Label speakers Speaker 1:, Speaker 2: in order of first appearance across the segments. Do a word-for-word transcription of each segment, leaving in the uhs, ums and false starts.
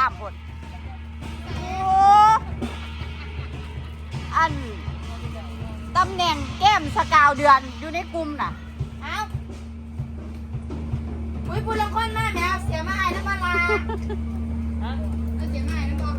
Speaker 1: ามหมดโอ้อันตำแหน่งแก้มสกาวเดือนอยู่ในกลุ่มน่ะ
Speaker 2: เอ้าอุ้ยพูดละคนมากแมวเสียมาไอ้น้ำปลาเสียมาไอ้น้ำปลา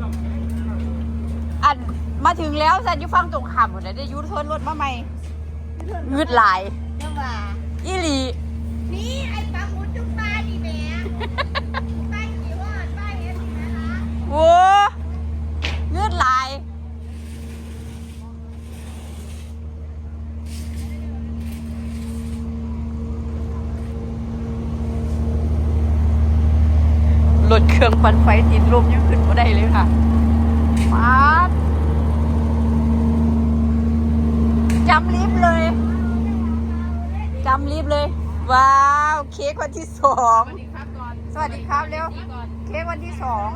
Speaker 1: อันมาถึงแล้วสันยุฟังตรงขามหมดเลยได้ยุทนรถมาใหม่งืดหลาย
Speaker 2: ยังว่า
Speaker 1: อีหลี
Speaker 2: นี่ไอ้ปลาหมุดจุ๊บปลาดิแม่ปลากี่วอดปลาเห็นไหมล่ะ
Speaker 1: โอ้งืดหลายรถเครื่องปั่นไฟติดลมยังขึ้นมาได้เลยค่ะมาจำลิฟต์เลยจำลิฟต์เลยว้าวเค้กวันที่สองสวัสดีครับเร็วเค้กวันที่สอง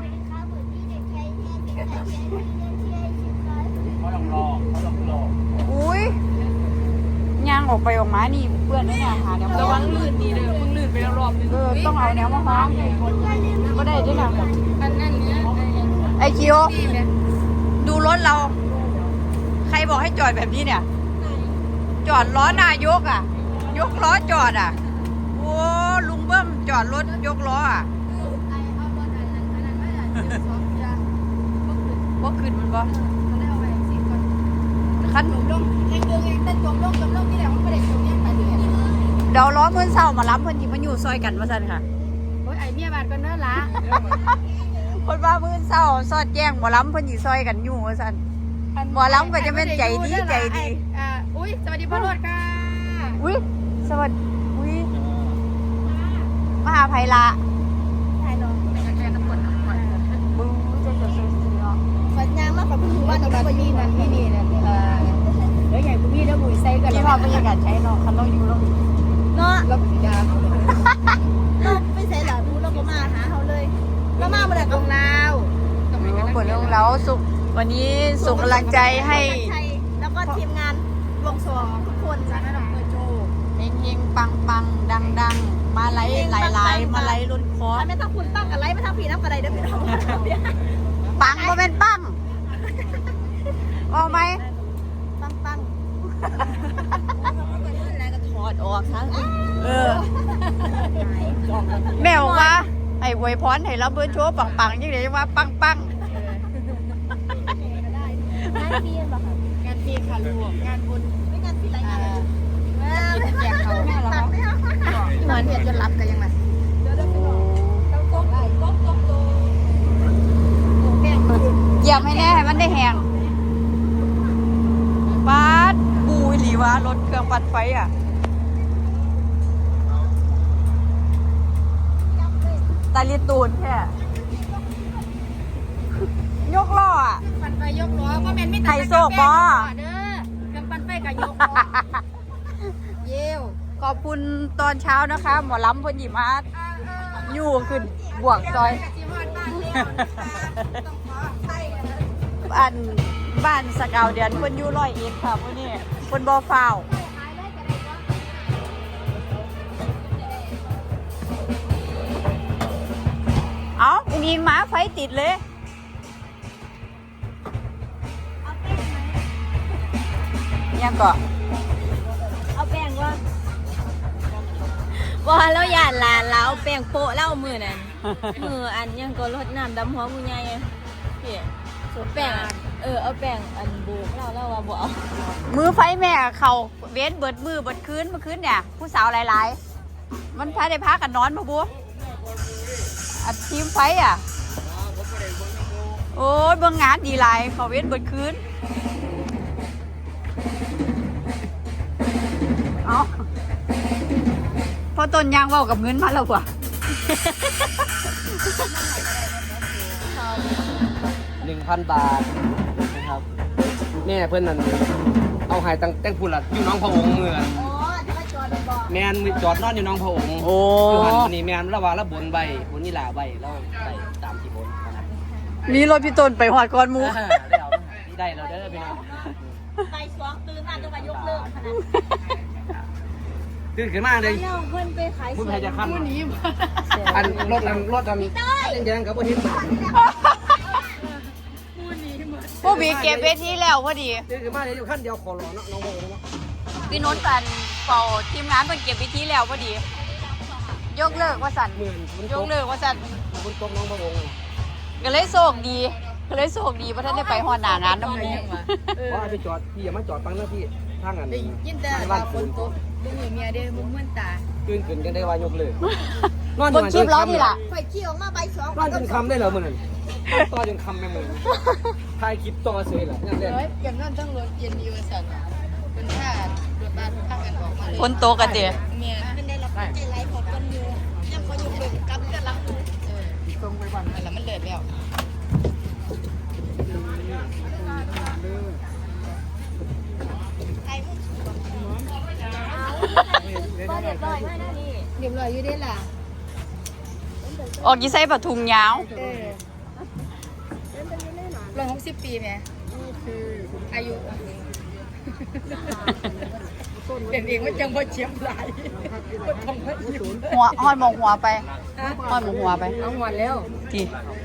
Speaker 3: เขาลองรอเขาลองรอ
Speaker 1: อุ้ยย่างออกไปออกมานี่เพื่อนด้วยนะหาแนว
Speaker 4: ระวังลื่นดีเลยมึงลื่นไปแล้วรอบนึง
Speaker 1: เออต้องเอาแนวมาห้องก็ได้ด้วยนะ
Speaker 4: อันนั้นเนี้ย
Speaker 1: ไอคิวดูรถเราใครบอกให้จอดแบบนี้เนี่ยจอดล้อนายกอ่ะยกล้อจอดอ่ะโอ้ลุงเบิ้มจอดรถยกล้ออ่ะบ่ขึ้นมันบ่คันเดี๋ยวล้อมือเศร้ามาล้ำเพิ่นที่มันอยู่ซอยกันมาสั่นค่ะ
Speaker 2: โอ้ยไอเมียบาดกันเนอะละ
Speaker 1: คนว่ามือเศร้าซอดแจ้งมาล้ำเพิ่นที่ซอยกันอยู่มาสั่นหมอล้ำก็จะเป็นใจดีใจดี
Speaker 2: อ่าอุ้ยสวัสดีพ่อรถค่ะ
Speaker 1: อุ้ยสวัสดีอุ้ยมหาภัยละ
Speaker 2: ถ่ายลง
Speaker 4: แค่น้ำกรดน้ำกรด
Speaker 1: บึ้งจะจดเซ็นซีเนาะ
Speaker 2: ฝันยางมากกว่าพี่ว่าตอนนี้นั่นนี่นี่เนี่ยเออแล้วใหญ่คุณพี่แล้วบุ๋ยไซกัน
Speaker 1: พี่พอบรรยากาศใช้เนาะคันเราอยู่เรา
Speaker 2: เนาะเราผีดาเราไม่ใช่หรอพูดเราก็มาหาเขาเลยเรามาเมื่อไหร่ตรงเรา
Speaker 1: เปิดเรื่องแล้วสุขวันนี้ส่งกำลังใจให้
Speaker 2: แล้วก็ทีมงานวงสวงทุกคนจ้าแม่ดอกเบอร์โจ
Speaker 1: เฮงเฮงปังปังดังดังมาไล่หลายหลายมาไล่ล้นคอ
Speaker 2: ไม่ต้องคุณปังกับไล่ไม่ต้องผีน้ำกระไดเด้อพี่น้อง
Speaker 1: ปังก็เป็นปังเอาไหม
Speaker 2: ปังปัง
Speaker 1: ถอดออกทั้งเออแม่บอกว่าไอ้อวยพรให้เราเบิร์นโชว์ปังปังยังไงว่าปังปัง
Speaker 2: งานปีนป่ะคะ
Speaker 4: งานปีค่ะลูกงานบุญ
Speaker 2: ไม่งานปีอะไรงาน
Speaker 4: แจกเขาแม่แล้ว
Speaker 2: เหมือนเห็นจะรับกันยังไง
Speaker 1: เหยียบให้แน่ให้มันได้แหงปาดบูหลีวะรถเครื่องปั่นไฟอ่ะตาลีตูนแค่ยกล้ออ่ะ
Speaker 2: ปั่นไฟยกล้อก็เป็นไม่
Speaker 1: ไข่โซกบอ
Speaker 2: เด้อเครื่องปั่นไฟกับยกล้อเยี่ยว
Speaker 1: ขอบคุณตอนเช้านะคะหมอลำพนหยิมาอยู่ขึ้นบวกซอยบ้านบ้านสกาวเดือนคนอยู่ร้อยเอ็ดค่ะพวกนี้คนบอฟาวเอาอุ้งยิงหมาไฟติดเลยยังก่อน
Speaker 2: เอาแป้งว่าว่าแล้วหยาดลานแล้วแป้งโปะเล่ามือนั่นมืออันยังก็รดน้ำดำหัวมือใหญ่พี่สูแป้งเออเอาแป้งอันบูเล่าเล่าว่าบ่เอา
Speaker 1: มือไฟแม่เขาเว้นเบิดมือเบิดคืนเมื่อคืนเนี่ยผู้สาวหลายๆมันพาได้พักกันนอนมาบัวอัดทีมไฟอ่ะโอ้ยเบิ่งงานดีหลายเขาเว้นเบิดคืนเอาพอต้นยางเว้ากับเงินมาแล้วว่ะ
Speaker 3: หนึ่งพันบาทนะครับแม่เพื่อนนั่นเอาหายตั้งแต่งพูดละอยู่น้องพระองค์เมืองแมนจอดนอนอยู่น้องพระองค์
Speaker 1: โอ้
Speaker 3: คือหันวันนี้แมนระหว่างระบนใบบนนี่หล่าใบแล้วใบตามที่บน
Speaker 1: มีรถพี่ต้นไปหอดก้อนมู
Speaker 3: ได้เอาได้เราเด้อพี่น้อง
Speaker 2: ไปสองตื่นมาจะมายกเลิก
Speaker 3: ตื่นขึ้นมาเลย
Speaker 2: แล้วเพิ่นไปขาย
Speaker 3: คุณ
Speaker 2: ส
Speaker 3: ใคร
Speaker 2: วน
Speaker 3: จะขั้น
Speaker 4: ผู้นี้
Speaker 3: อันรถอันรถอันแดงๆกับพวกนี้
Speaker 4: ผู้นี้หมด
Speaker 1: ผู้บีเก็บเวทีแล้วพอดี
Speaker 3: ตื่นขึ้นมาเลยอยู่ขั้นเดียวขอรอเนาะน้องโมเนาะ
Speaker 1: พี่นุชกันเป่าทีมงานเพิ่นเก็บเวทีแล้วพอดี ยกเลิกว่าสั่น
Speaker 3: หมื่นคุณ
Speaker 1: ย
Speaker 3: ต
Speaker 1: ก
Speaker 3: ก
Speaker 1: เลิกว่าสั่น
Speaker 3: คุณตกน้องพะวง
Speaker 1: ก็เลยโชคดีก็เลยโชคดีเพราะท่านได้ไปฮอดหน้างานน้ำหมู
Speaker 3: ว่าไปจอดพี่อย่ามาจอดฟังนะพี่ทางอัน
Speaker 4: ได้ยินแต่
Speaker 3: บ้า
Speaker 4: ว่าน ฝ
Speaker 3: คุ
Speaker 4: น
Speaker 3: ณ
Speaker 4: ตกบุ้งเมียเด้บุ้งเหมือนตา
Speaker 3: ตื่นขึ้นกันได้ว่ายกเลย
Speaker 1: บนคลิปล้อนี่ล่ะ
Speaker 4: ข่อยขี่ออกมาใบสอง
Speaker 3: นอนจนคำได้เหรอมึงนั่นต่อจนคำแม่มึงถ่ายคลิปต่อเสยเหรอนั่นแหละ
Speaker 4: เฮ้ยเก็บนั่นทั้งรถเย็นดีวันสันเป็นท่ารถบ้านข้างกันออกมาเลย
Speaker 1: ฝนตกกันเดีย
Speaker 4: เมียเป็นได้รับใจไหลพอกันอยู่ยังเขาอยู่เบิ่งกับกันรับเออตรงไปบ้านนั่นแหละมันเลิศแล้ว
Speaker 2: ก็เรียบร้อยมากนะนี่
Speaker 4: เรียบร้อยอยู่ได้ล่ะ
Speaker 1: ออกยี่ไซปะทุงยาว
Speaker 4: เออร้อยหกสิบปีไหมคืออายุเป็นเองว่าจังว่าเชียบหลายว่าทำให้อยู่
Speaker 1: หัวหอดหมองหัวไปหอดหมองหัวไป
Speaker 4: เอาหมดแล้ว
Speaker 1: ที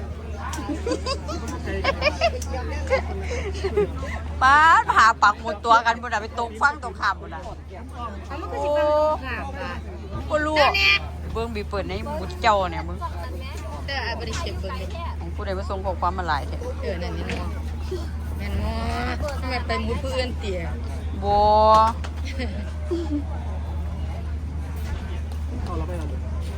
Speaker 1: ป้าดหาปักหมุดตัวกันบนน่ะไปตกฟังตกขามบนน่ะ
Speaker 4: เอามันก็สิเป็นข่าวอ่ะ
Speaker 1: ก็รู้เบิ้งบีเปิดในหมุดเจ้าเนี่ยมึง
Speaker 4: แต่อาบริเก็บเบิ่งอยู่
Speaker 1: ของผู้ใดมาส่งข้อความมาหลายแท้
Speaker 4: เออนั่นนี่เนาะแม่นบ่ทำไมไปมุดผู้อื่นเตี๋ย
Speaker 1: บัว
Speaker 3: เอาเราไปเรา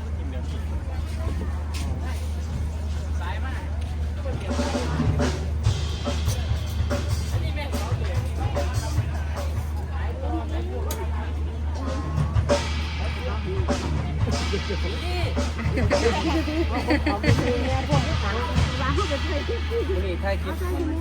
Speaker 3: นี่ถ่ายคลิป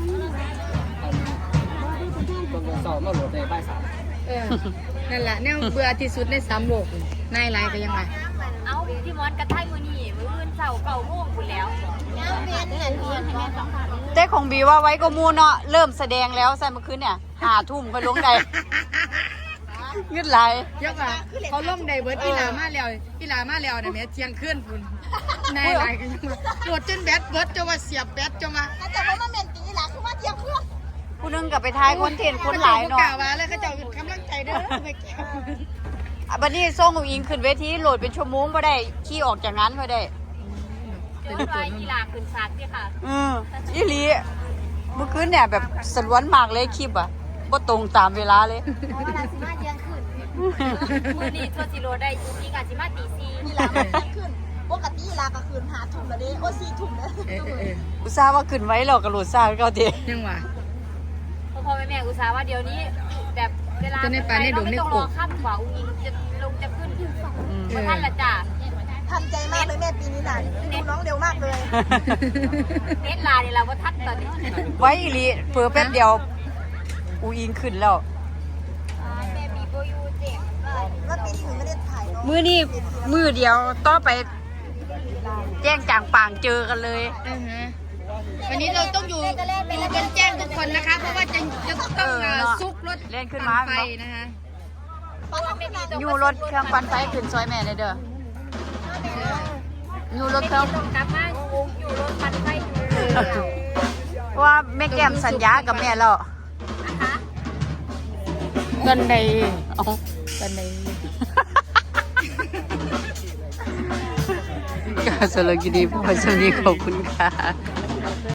Speaker 3: ตอนสอบมาโหลดในบ้านสาม
Speaker 4: เออนั่นแหละแนวเบื่อที่สุดในสามโลกนายไรก็ยังไง
Speaker 2: เอาพี่มอสกระทั่งมือนี่มืออื่นเสาเก่าโม่งคุณแล้วยังเวียนเงินเวียนให้แม่สองพัน
Speaker 1: แต่ของบีว่าไว้ก็มูเนาะเริ่มแสดงแล้วใส่เมื่อคืนเนี่ยหาทุ่มไปลงใดเงืดไหล
Speaker 4: เยอะกว่าเขาล่มไดเบิร์ดอีหลามาแล้วอีหลามาแล้วเนี่ยแม่เที่ยงคืนพุ่นนายไรก็ยังมาตรวจจนแบตเบิร์ดจะว่าเสียบแบตจะมาแต่ว่ามันเป็นตีหลาคือมาเที่ยงคืน
Speaker 1: ผู้หนึงกับไปทายคอนเทนต์คนหลาย
Speaker 4: เนาะ
Speaker 1: เนาะ
Speaker 4: ว่าแล้วเขาจะกำลังใจเด้อไปแก้
Speaker 1: อ่ะบัดนี้ส่งอุ๋งอิงขึ้นเวทีโหลดเป็นชั่วโมงบ่ได้ขี่ออกจากนั้นบ่ได้
Speaker 2: เจอรอยกีฬาขึ้นซักเนี่ยค่ะ
Speaker 1: อืออีหลีเมื่อคืนเนี่ยแบบสลวนมากเลยคลิปอ่ะบ่ตรงตามเวลาเลย
Speaker 2: เพราะเวลาสิมาเที่ยงคืนมือนี่ทัวร์จิโร่ได้จริงๆอาสิมาตีสี่
Speaker 5: นี่ลามันเที่ยงคืนปกติลากลางคืนหาทุ่มแล้วเด้โอ้สี่ทุ่มแล้ว
Speaker 4: เออเออ
Speaker 1: อุตส่าห์ว่าขึ้นไว้แล้วก็โหลดซ่าก็เอาติ
Speaker 4: ยังว่า
Speaker 2: พ่อพ่อแม่แม่อุตส่าห์ว่าเดี๋ยวนี้แบบเวลา
Speaker 4: จะในป่าในดงใน
Speaker 2: เราไม่ต้อง
Speaker 4: ก
Speaker 2: ร
Speaker 4: บ
Speaker 2: อข้ามกว่าอุ้งอิงจะลงจะขึ้น
Speaker 1: อืม
Speaker 4: เอ
Speaker 2: มา
Speaker 4: อ
Speaker 2: ท่านละจ้ะ
Speaker 5: ทันใจมากเลยแม่ปีนี้น่ะดูน้องเร็วมากเลย
Speaker 2: เน็ตลาเนี่ยเราว่าทัดตอนนี้
Speaker 1: ไว้อีหลีเผื่อแป๊บเดียวอุ๋งอิงขึ้นแล้ว
Speaker 2: แม่บีโบยูเจ็บ
Speaker 5: ว่าปีนี้หนูไม่ได้ถ่ายน้อง
Speaker 1: มือนี่มือเดียวต่อไป แจ้งจางปางเจอกันเลย
Speaker 4: อือฮะวันนี้เราต้องอยู่อยู่กันแจ้งทุกคนนะคะ เพราะว่าจะจะต้องเอ่อซุกรถ
Speaker 1: เล่นขึ้นมา
Speaker 4: ไฟนะคะ
Speaker 1: อยู่รถเครื่องปั่นไฟขึ้นซอยแม่เลยเด้ออยู่รถเครื่อง
Speaker 2: ต้องกลับมาอยู่รถปันไฟอยู่
Speaker 1: เพราะว่าแม่แก้มสัญญากับแม่แล้ว
Speaker 2: นะคะ
Speaker 4: กันใด
Speaker 1: เอา
Speaker 4: กันใด
Speaker 1: ก็สำหรับคลิปนี้พอสวัสดีขอบคุณค่ะ